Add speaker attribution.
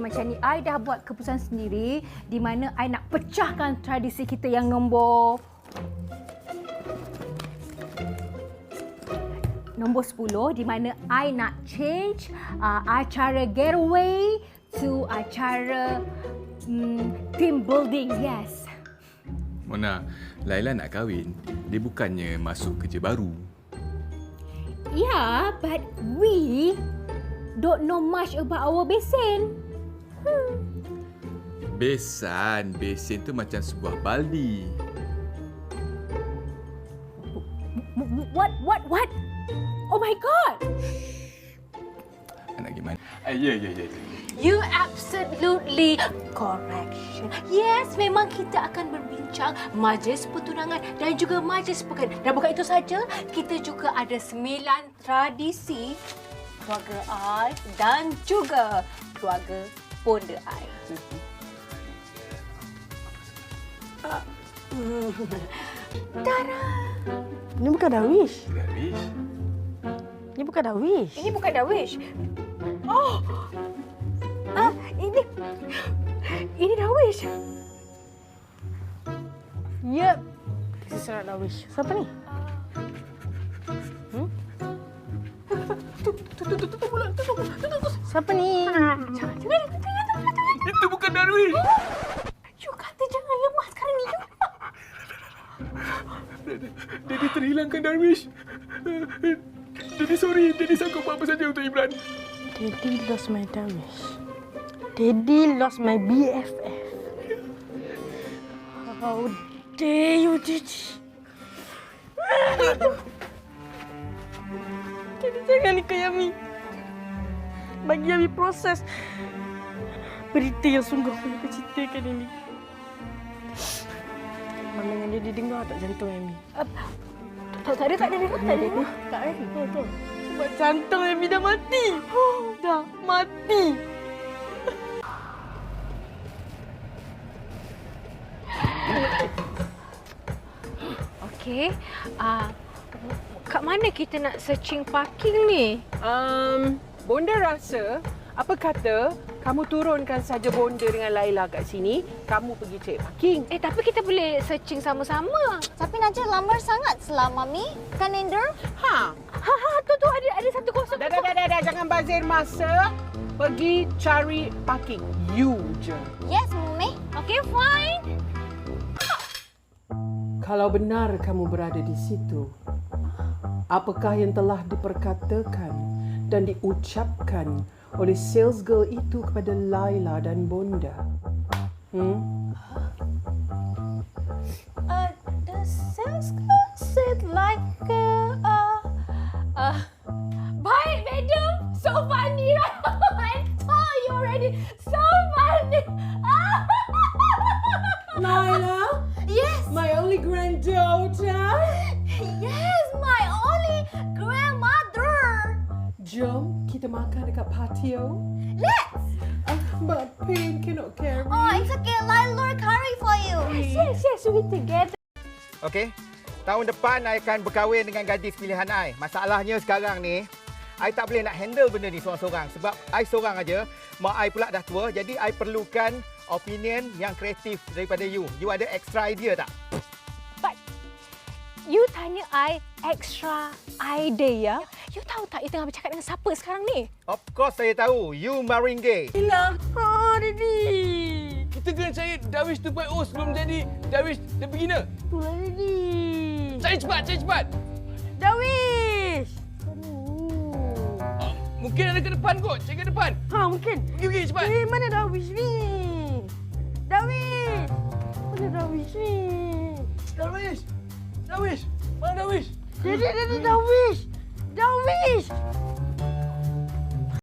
Speaker 1: macam ni, I dah buat keputusan sendiri di mana I nak pecahkan tradisi kita yang nombor 10 di mana I nak change acara getaway to acara team building. Yes.
Speaker 2: Mona, Laila nak kahwin, dia bukannya masuk kerja baru.
Speaker 1: Yeah, but we don't know much about our besan.
Speaker 2: Besan tu macam sebuah baldi.
Speaker 1: What? Oh my God!
Speaker 2: Nak gimana? Ya.
Speaker 1: You absolutely correct. Yes, memang kita akan berbincang majlis pertunangan dan juga majlis perkahwinan. Dan bukan itu saja, kita juga ada 9 tradisi keluarga I dan juga keluarga bonda I. Tara!
Speaker 3: Ini bukan Darwish.
Speaker 2: Darwish?
Speaker 3: Ini bukan Darwish.
Speaker 1: Ini bukan Darwish. Oh! Ini Darwish.
Speaker 3: Yep. This is not Darwish. Siapa ni? Siapa ni?
Speaker 2: Itu bukan Darwish.
Speaker 1: You kata jangan lemah sekarang ni.
Speaker 2: Daddy terhilangkan Darwish. Daddy sorry. Daddy sanggup buat apa saja untuk Imran.
Speaker 3: Daddy lost my Darwish. Daddy lost my BFF. How dare you, Daddy? Daddy jangan ikut Yami. Bagi Yami proses berita yang sungguh menyukacitakan ini. Mana yang dia dengar tak jantung Yami?
Speaker 1: Tak ada.
Speaker 3: Tak ada. Betul. Sebab jantung Yami dah mati. Dah mati.
Speaker 1: Okey. Kat mana kita nak searching parking ni?
Speaker 4: Bonda rasa, apa kata kamu turunkan saja Bonda dengan Laila kat sini, kamu pergi cek parking.
Speaker 1: Tapi kita boleh searching sama-sama.
Speaker 5: Tapi Najah lambat sangat selama Mami. Kan, Ender?
Speaker 1: Tu ada satu kosong.
Speaker 4: Dah, jangan bazir masa. Pergi cari parking. You je.
Speaker 5: Yes, Mami.
Speaker 1: Okay, fine.
Speaker 4: Kalau benar kamu berada di situ, apakah yang telah diperkatakan dan diucapkan oleh sales girl itu kepada Laila dan Bonda?
Speaker 5: The sales girl said like
Speaker 1: Baik, madam. So funny, right? I told you already. So funny.
Speaker 4: Laila?
Speaker 5: Yes.
Speaker 4: My only granddaughter?
Speaker 5: Yes, my only grandmother.
Speaker 4: Jom kita makan dekat patio.
Speaker 5: Let's.
Speaker 4: But pain cannot carry.
Speaker 5: Oh, it's okay. Laila curry for you.
Speaker 1: Yes, we together.
Speaker 6: Okey. Tahun depan I akan berkahwin dengan gadis pilihan I. Masalahnya sekarang ni, I tak boleh nak handle benda ni seorang-seorang. Sebab I seorang aja. Mak I pula dah tua. Jadi I perlukan opinion yang kreatif daripada you. You ada extra idea tak?
Speaker 1: But you tanya I extra idea. You tahu tak you tengah bercakap dengan siapa sekarang ni?
Speaker 6: Of course saya tahu. You Maringge.
Speaker 3: Hilang. Daddy.
Speaker 2: Kita kena cari Darwish 2.0 sebelum jadi Darwish the beginner.
Speaker 3: Itulah Daddy.
Speaker 2: Cari cepat.
Speaker 3: Darwish.
Speaker 2: Mungkin ada ke depan kot. Cari ke depan.
Speaker 3: Mungkin.
Speaker 2: Pergi cepat.
Speaker 3: Mana Darwish ni? Darwish. Mana Darwish ni?
Speaker 2: Darwish. Mana Darwish?
Speaker 3: Daddy, Darwish.